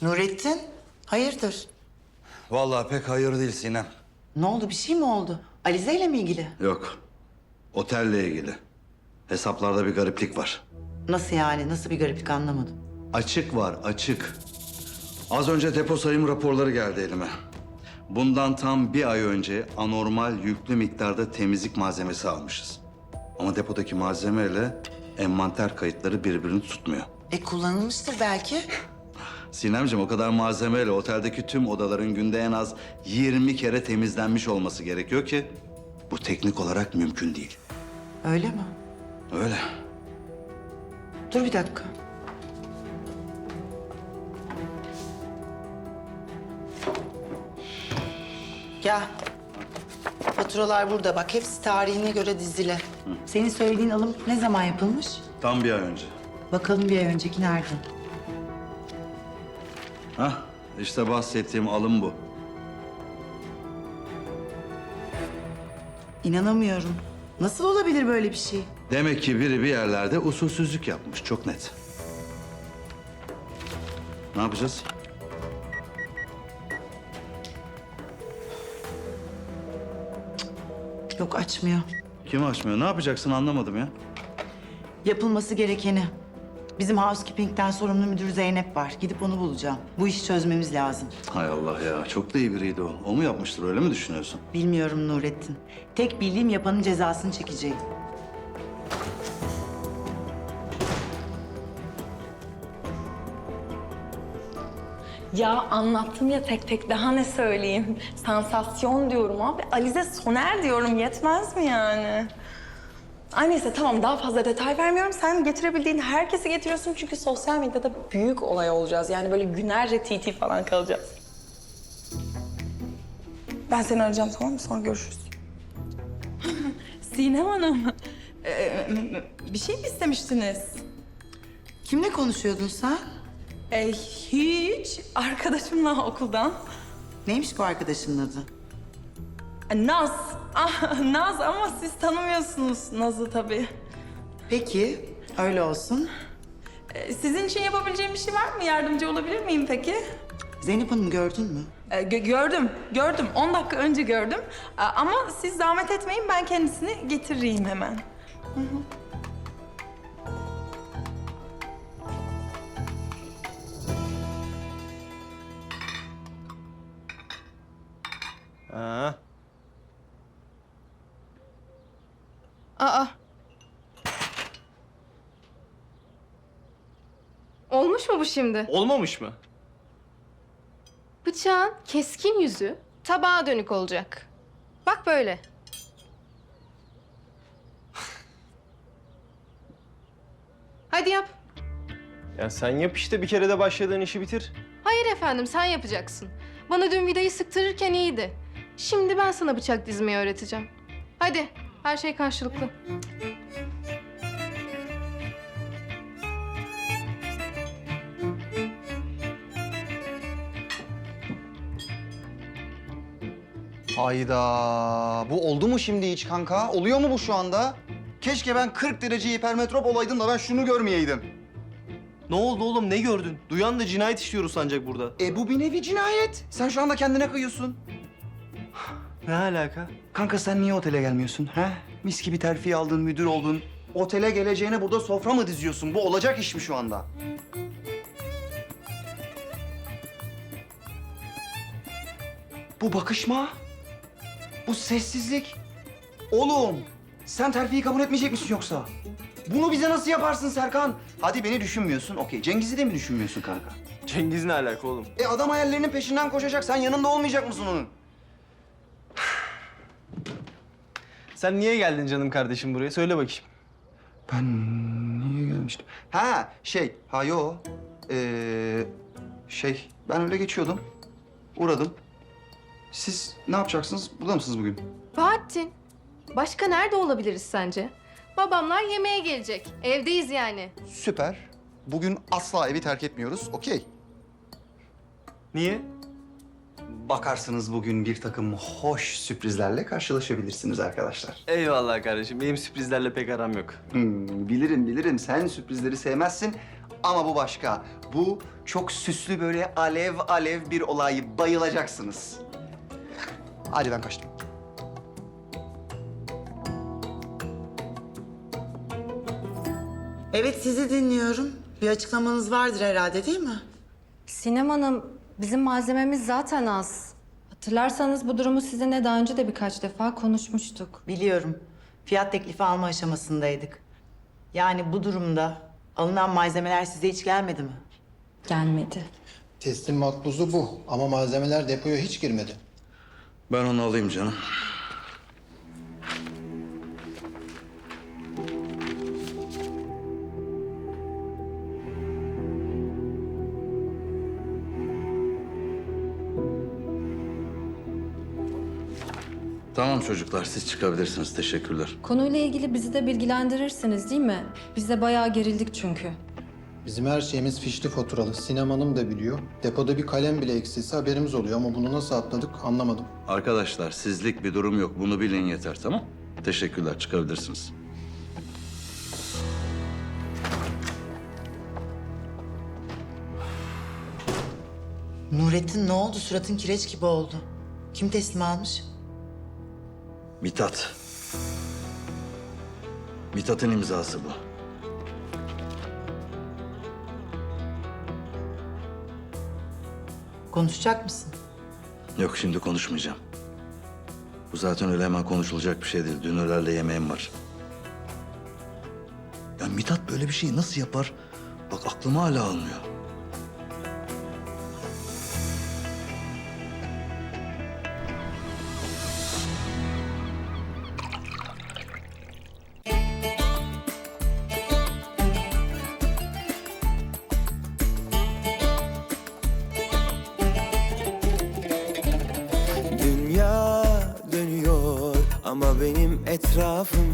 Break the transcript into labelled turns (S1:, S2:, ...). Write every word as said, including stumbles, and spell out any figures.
S1: Nurettin, hayırdır?
S2: Vallahi pek hayır değil Sinem.
S1: Ne oldu, bir şey mi oldu? Alize ile mi ilgili?
S2: Yok. Otelle ilgili. Hesaplarda bir gariplik var.
S1: Nasıl yani, nasıl bir gariplik anlamadım.
S2: Açık var, açık. Az önce depo sayım raporları geldi elime. Bundan tam bir ay önce anormal yüklü miktarda temizlik malzemesi almışız. Ama depodaki malzemeyle envanter kayıtları birbirini tutmuyor.
S1: E kullanılmıştır belki.
S2: Sinemciğim, o kadar malzemeyle oteldeki tüm odaların günde en az yirmi kere temizlenmiş olması gerekiyor ki bu teknik olarak mümkün değil.
S1: Öyle mi?
S2: Öyle.
S1: Dur bir dakika. Gel. Faturalar burada bak, hepsi tarihine göre dizili. Senin söylediğin alım ne zaman yapılmış?
S2: Tam bir ay önce.
S1: Bakalım bir ay önceki nerede?
S2: Hah, işte bahsettiğim alım bu.
S1: İnanamıyorum. Nasıl olabilir böyle bir şey?
S2: Demek ki biri bir yerlerde usulsüzlük yapmış, çok net. Ne yapacağız?
S1: Yok, açmıyor.
S2: Kim açmıyor? Ne yapacaksın anlamadım ya.
S1: Yapılması gerekeni. Bizim housekeeping'den sorumlu müdür Zeynep var. Gidip onu bulacağım. Bu işi çözmemiz lazım.
S2: Hay Allah ya, çok da iyi biriydi o. O mu yapmıştır, öyle mi düşünüyorsun?
S1: Bilmiyorum Nurettin. Tek bildiğim yapanın cezasını çekeceğim.
S3: Ya anlattım ya tek tek, daha ne söyleyeyim? Sansasyon diyorum abi. Alize Soner diyorum, yetmez mi yani? Ay neyse tamam, daha fazla detay vermiyorum. Sen getirebildiğin herkesi getiriyorsun çünkü sosyal medyada büyük olay olacağız. Yani böyle günlerce T T falan kalacağız. Ben seni arayacağım, tamam mı? Sonra görüşürüz. Sinem Hanım, ee, bir şey mi istemiştiniz?
S1: Kimle konuşuyordun sen?
S3: E, hiç. Arkadaşımla okuldan.
S1: Neymiş bu arkadaşının adı?
S3: E, Naz. Ah, Naz ama siz tanımıyorsunuz Naz'ı tabii.
S1: Peki, öyle olsun.
S3: E, sizin için yapabileceğim bir şey var mı? Yardımcı olabilir miyim peki?
S1: Zeynep Hanım gördün mü?
S3: E, gö- gördüm, gördüm. On dakika önce gördüm. E, ama siz zahmet etmeyin, ben kendisini getireyim hemen.
S4: Ha.
S5: Aa. Olmuş mu bu şimdi?
S4: Olmamış mı?
S5: Bıçağın keskin yüzü tabağa dönük olacak. Bak böyle. Hadi yap.
S4: Ya sen yap işte, bir kere de başladığın işi bitir.
S5: Hayır efendim, sen yapacaksın. Bana dün vidayı sıktırırken iyiydi. Şimdi ben sana bıçak dizmeyi öğreteceğim. Hadi, her şey karşılıklı.
S6: Hayda. Bu oldu mu şimdi hiç kanka? Oluyor mu bu şu anda? Keşke ben kırk derece hipermetrop olaydım da ben şunu görmeyeydim.
S4: Ne oldu oğlum, ne gördün? Duyan da cinayet işliyoruz sancak burada.
S6: E bu bir nevi cinayet. Sen şu anda kendine kıyıyorsun.
S4: Ne alaka?
S6: Kanka sen niye otele gelmiyorsun? He? Mis gibi terfi aldın, müdür oldun. Otele geleceğine burada sofra mı diziyorsun? Bu olacak iş mi şu anda? Bu bakışma. Bu sessizlik. Oğlum, sen terfiyi kabul etmeyecek misin yoksa? Bunu bize nasıl yaparsın Serkan? Hadi beni düşünmüyorsun, okey. Cengiz'i de mi düşünmüyorsun kanka?
S4: Cengiz ne alaka oğlum?
S6: E adam hayallerinin peşinden koşacak. Sen yanında olmayacak mısın onun?
S4: Sen niye geldin canım kardeşim buraya? Söyle bakayım.
S6: Ben niye gelmiştim? Ha şey, ha yo. Ee, şey, ben öyle geçiyordum. Uğradım. Siz ne yapacaksınız? Burada mısınız bugün?
S5: Bahattin, başka nerede olabiliriz sence? Babamlar yemeğe gelecek. Evdeyiz yani.
S6: Süper. Bugün asla evi terk etmiyoruz, okey.
S4: Niye?
S6: Bakarsınız bugün bir takım hoş sürprizlerle karşılaşabilirsiniz arkadaşlar.
S4: Eyvallah kardeşim. Benim sürprizlerle pek aram yok.
S6: Hmm, bilirim bilirim sen sürprizleri sevmezsin Ama bu başka. Bu çok süslü böyle alev alev bir olay. Bayılacaksınız. Hadi ben kaçtım.
S1: Evet, sizi dinliyorum. Bir açıklamanız vardır herhalde, değil mi?
S7: Sinem Hanım, bizim malzememiz zaten az. Hatırlarsanız bu durumu sizinle daha önce de birkaç defa konuşmuştuk.
S1: Biliyorum. Fiyat teklifi alma aşamasındaydık. Yani bu durumda alınan malzemeler size hiç gelmedi mi?
S7: Gelmedi.
S8: Teslim makbuzu bu ama malzemeler depoya hiç girmedi.
S2: Ben onu alayım canım. Tamam çocuklar, siz çıkabilirsiniz. Teşekkürler.
S7: Konuyla ilgili bizi de bilgilendirirsiniz değil mi? Biz de bayağı gerildik çünkü.
S8: Bizim her şeyimiz fişli faturalı. Sinem Hanım da biliyor. Depoda bir kalem bile eksilse haberimiz oluyor ama bunu nasıl atladık anlamadım.
S2: Arkadaşlar, sizlik bir durum yok. Bunu bilin yeter, tamam? Teşekkürler, çıkabilirsiniz.
S1: Nurettin, ne oldu? Suratın kireç gibi oldu. Kim teslim almış?
S2: Mithat. Mithat'ın imzası bu.
S1: Konuşacak mısın?
S2: Yok, şimdi konuşmayacağım. Bu zaten öyle hemen konuşulacak bir şey değil. Dünürlerle yemeğim var. Ya Mithat böyle bir şeyi nasıl yapar? Bak aklım hala almıyor.
S9: Dünya dönüyor ama benim etrafım